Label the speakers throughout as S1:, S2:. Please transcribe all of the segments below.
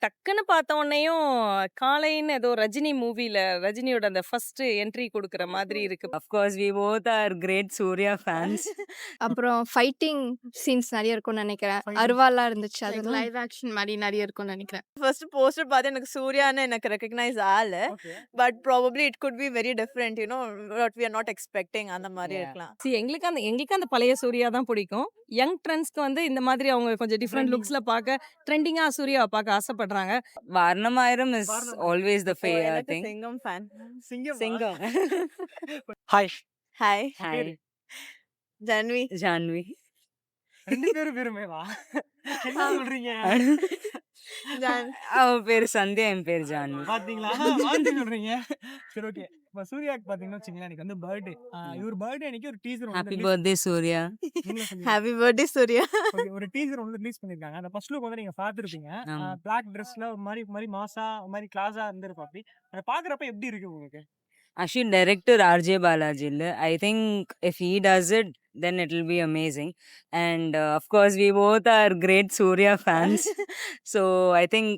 S1: டக்குன்னு பார்த்த உடனேயும் காலைன்னு ஏதோ ரஜினி மூவில ரஜினியோட அந்த ஃபர்ஸ்ட் என்ட்ரி குடுக்குற மாதிரி இருக்கு.
S2: Of course, we both are great Surya fans.
S3: அப்புறம் ஃபைட்டிங் சீன்ஸ் நெறைய இருக்கும்னு நெனைக்கிறேன்.
S4: Fighting.
S3: அருவாலாம் இருந்துச்சு
S5: லைக்
S3: அதெல்லாம்.
S5: லைவ் ஆக்ஷன் மாதிரி நிறைய இருக்கும்னு நினைக்கிறேன்.
S6: ஃபர்ஸ்ட் போஸ்டர் பார்த்து எனக்கு சூர்யான்னு எனக்கு ரெகக்னைஸ் ஆகல.
S4: Okay.
S6: But probably it could be very different what we are not expecting அந்த மாதிரி
S2: Yeah.
S6: இருக்கலாம்.
S1: எங்களுக்கு அந்த பழைய சூர்யா தான் பிடிக்கும். யங் ட்ரெண்ட்ஸ்க்கு வந்து இந்த மாதிரி அவங்க கொஞ்சம் டிஃப்ரெண்ட்
S4: Trending.
S1: லுக்ஸ்ல பார்க்க ட்ரெண்டிங்கா சூர்யாவை பார்க்க ஆசைப்படுறாங்க.
S2: Varnamayiram is
S4: Varnamayiram.
S2: always the favorite
S6: எனக்கு
S2: thing.
S6: Singam fan.
S4: Singam
S2: Singam.
S4: Hi
S6: hi
S2: Hi,
S6: Janvi.
S2: Janvi.
S4: ரெண்டு பேரும் பேருமேவா என்ன சொல்றீங்க
S6: ஜான்
S2: அவ பேரு சந்தியா, என் பேரு ஜான்வி.
S4: பாத்தீங்களா மாத்தி சொல்றீங்க சரி ஓகே இப்ப சூர்யாக்கு பாத்தீங்கன்னா வச்சுங்களேன் எனக்கு வந்து பர்த்டே இவர் பர்த்டே அன்னைக்கு ஒரு teaser
S2: Happy birthday, Surya.
S6: Happy birthday Surya.
S4: ஒரு டீசர் வந்து ரிலீஸ் பண்ணிருக்காங்க அந்த ஃபர்ஸ்ட் லுக் வந்து நீங்க பாத்துருப்பீங்க
S2: ஆமா.
S4: பிளாக் ட்ரெஸ்ல ஒரு மாதிரி மாசா ஒரு மாதிரி கிளாஸா இருந்திருப்பாப்பி அதை பாக்குறப்ப எப்படி இருக்கு உங்களுக்கு
S2: Actually, director RJ Balaji. I think if he does it, then it will be amazing. And of course, we both are great Surya fans. So I think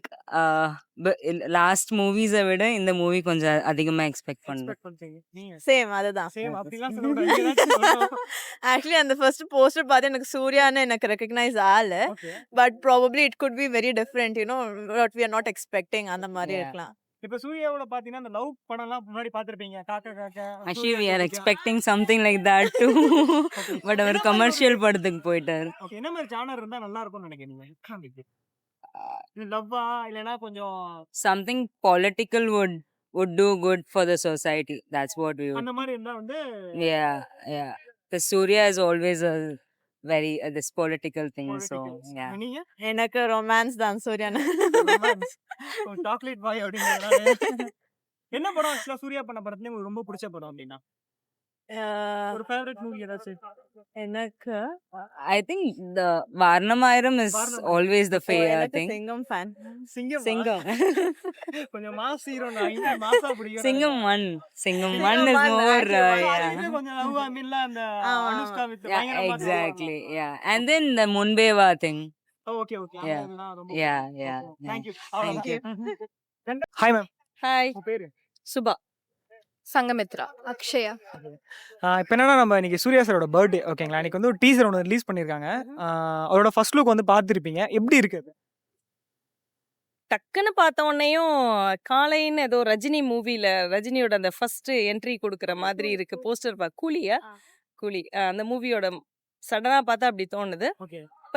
S2: last movies விட இந்த மூவி கொஞ்சம் அதிகமா எக்ஸ்பெக்ட் பண்றேன்.
S4: Expect பண்றீங்க நீங்க
S6: same அதுதான்.
S4: Same அப்படிலாம் சொல்லக்கூடாது
S6: ஆக்சுவலி அந்த ஃபர்ஸ்ட் போஸ்டர் பார்த்து எனக்கு சூர்யான்னு எனக்கு ரெகக்னைஸ் ஆகல.
S4: Okay
S6: but probably it could be very different what we are not expecting அந்த மாதிரி
S2: Yeah.
S6: இருக்கலாம்.
S4: இப்ப சூர்யாவோட பாத்தீங்கன்னா அந்த லவ் படம்லாம் முன்னாடி பாத்திருப்பீங்க காக்கா காக்கா
S2: Actually, we are expecting something like that too. But அவர் கமர்ஷியல் படத்துக்கு போயிட்டாரு.
S4: ஓகே என்ன மாதிரி ஜானர் இருந்தா நல்லா இருக்கும்னு நினைக்கிறீங்க லவ்வா இல்லனா கொஞ்சம்
S2: Something political would do good for the society. That's what we would.
S4: அந்த மாதிரி இருந்தா வந்து
S2: Yeah, yeah. The Surya is always a very this political thing. So yeah.
S4: நீங்க
S6: எனக்கு ரொமான்ஸ் தான் சூர்யான்னு.
S4: சாக்லேட் பாய் அப்படிங்கறதால என்ன படம் ஆக்சுவலா சூர்யா பண்ண படத்துல உங்களுக்கு ரொம்ப பிடிச்ச படம் அப்படின்னா ஒரு ஃபேவரட் மூவி ஏதாச்சும்
S6: எனக்கு
S2: I think the Varnamayiram is
S4: Varnamayiram.
S2: always the favorite
S6: எனக்கு
S2: thing.
S6: Singam fan.
S4: Singam
S2: Singam.
S4: கொஞ்சம் மாஸ் ஹீரோ நான் மாசா பிடிக்கும்
S2: Singam 1. Singam 1
S6: Singam
S2: is
S6: one,
S2: more
S6: actually,
S2: yeah.
S4: கொஞ்சம் லவ் அமில்ல அந்த
S6: ஆமா.
S4: Anushka with
S2: Yeah, exactly. Yeah. And then the Munbeva thing.
S4: Okay okay
S2: Yeah.
S4: ரொம்ப
S2: Yeah, yeah.
S4: Thank you.
S2: Thank you.
S4: Hi ma'am
S1: hi
S4: உங்க பேரு
S1: சுபா.
S5: சங்கமித்ரா.
S3: அக்ஷயா.
S4: இப்போ என்னன்னா நம்ம இன்னைக்கு சூர்யா சாரோட பர்த்டே ஓகேங்களா இன்னைக்கு வந்து ஒரு டீசர் ஒன்று ரிலீஸ் பண்ணியிருக்காங்க அவரோட ஃபர்ஸ்ட் லுக் வந்து பார்த்துருப்பீங்க எப்படி இருக்கு அது
S1: டக்குன்னு பார்த்த உடனேயும் காலைன்னு ஏதோ ரஜினி மூவில ரஜினியோட அந்த ஃபர்ஸ்ட் என்ட்ரி குடுக்குற மாதிரி இருக்கு. போஸ்டர் கூலியா
S5: ஆ.
S1: கூலி அந்த மூவியோட சடனா பார்த்தா அப்படி தோணுது.
S4: ஓகே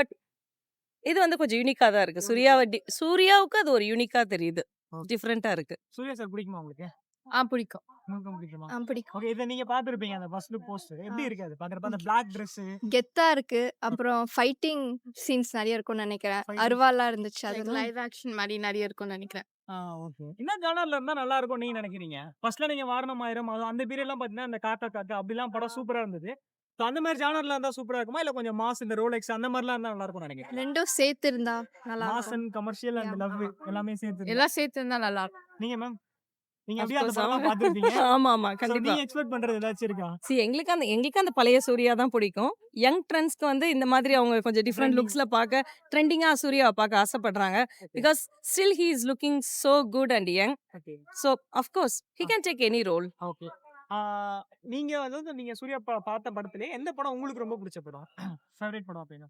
S1: இது வந்து கொஞ்சம் யூனிக்கா தான் இருக்கு. சூர்யாவுக்கு அது ஒரு யூனிக்கா தெரியுது.
S4: Okay.
S1: டிஃப்ரெண்டா இருக்கு.
S4: சூர்யா சார் பிடிக்குமா உங்களுக்கு
S5: பிடிக்கும்.
S4: உங்களுக்கும் பிடிக்குமா
S3: பிடிக்கும்.
S4: ஓகே இதை நீங்க பார்த்துருப்பீங்க அந்த ஃபர்ஸ்ட் லுக் போஸ்டர் எப்படி இருக்கு அது பார்க்குறப்ப அந்த பிளாக் ட்ரெஸ்
S3: கெத்தா இருக்கு. அப்புறம் ஃபைட்டிங் சீன்ஸ் நெறைய இருக்கும்னு நெனைக்கிறேன்.
S4: Fighting.
S3: அருவாலாம் இருந்துச்சு
S5: லைக்
S3: அதெல்லாம்.
S5: லைவ் ஆக்ஷன் மாதிரி நிறைய இருக்கும்னு நினைக்கிறேன்.
S4: ஓகே என்ன ஜானர்ல இருந்தா நல்லா இருக்கும் நீங்க நினைக்கிறீங்க ஃபர்ஸ்ட்ல நீங்க வாரணமாயிரம் அது அந்த பீரியட்லாம் பார்த்தீங்கன்னா அந்த காக்கா காக்கா அப்படிலாம் படம் சூப்பரா இருந்தது ஸோ அந்த மாதிரி ஜானர்ல இருந்தா சூப்பரா இருக்குமா இல்ல கொஞ்சம் மாஸ் இந்த ரோலெக்ஸ் அந்த மாதிரிலாம் இருந்தா நல்லா இருக்கும்னு நினைக்கிறேன்
S3: ரெண்டும் சேர்த்து இருந்தா நல்லா
S4: மாஸ்
S3: இருக்கும்.
S4: அண்ட் கமர்ஷியல் அண்ட் லவ் எல்லாமே சேர்த்து
S5: எல்லாம் சேர்த்து இருந்தா நல்லா இருக்கும்.
S4: நீங்க மேம் நீங்க
S1: Of
S4: அப்படியே அந்த
S1: course,
S4: படம்
S1: ஆமா.
S4: பார்த்துருப்பீங்க
S1: ஆமா ஆமா
S4: So,
S1: கண்டிப்பா.
S4: நீங்க எக்ஸ்பெக்ட் பண்றது ஏதாச்சும் இருக்கா
S1: எங்களுக்கு அந்த பழைய சூர்யா தான் பிடிக்கும். யங் ட்ரெண்ட்ஸ்க்கு வந்து இந்த மாதிரி அவங்க கொஞ்சம் டிஃப்ரெண்ட்
S4: Trending.
S1: லுக்ஸ்ல பார்க்க ட்ரெண்டிங்கா சூர்யாவை பார்க்க ஆசைப்படுறாங்க. Because still he is looking so good and young.
S4: Okay
S1: so of course he can take any role.
S4: Okay நீங்க அதாவது நீங்க சூர்யா பார்த்த படத்திலே எந்த படம் உங்களுக்கு ரொம்ப பிடிச்ச படம் ஃபேவரட் படம் அப்படின்னா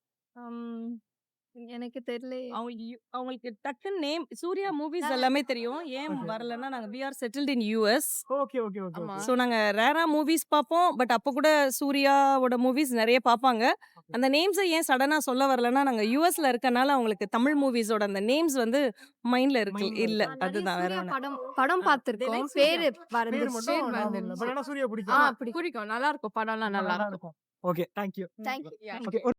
S3: எனக்கு தெரியல.
S1: அவங்களுக்கு டக்குன்னு நேம் சூர்யா மூவிஸ் எல்லாமே தெரியும். ஏன்
S4: Okay.
S1: வரலன்னா நாங்க we are settled in US.
S4: Okay okay okay
S5: ஆமா.
S1: ஸோ நாங்க ரேரா மூவிஸ் பார்ப்போம். பட் அப்போ கூட சூர்யாவோட மூவிஸ் நிறைய பார்ப்பாங்க. அந்த நேம்ஸை ஏன் சடனா சொல்ல வரலன்னா நாங்க யூஎஸ்ல இருக்கனால அவங்களுக்கு தமிழ் மூவிஸோட அந்த நேம்ஸ் வந்து மைண்ட்ல இருக்கு
S4: Mindல
S1: இல்ல.
S4: இருக்கு.
S1: அதுதான் வேற
S3: சூர்யா
S1: ஒண்ணு.
S3: படம் பார்த்திருக்கோம்.
S1: like Surya.
S3: பேரு
S4: பேர்
S3: மறந்துச்சு.
S4: மட்டும் ஞாபகம் இல்ல. But ஆனா சூர்யா பிடிக்கும்
S5: பிடிக்கும். நல்லா இருக்கும். படம்லாம் நல்லா இருக்கும்.
S4: Okay thank you
S3: thank you.
S4: ஓகே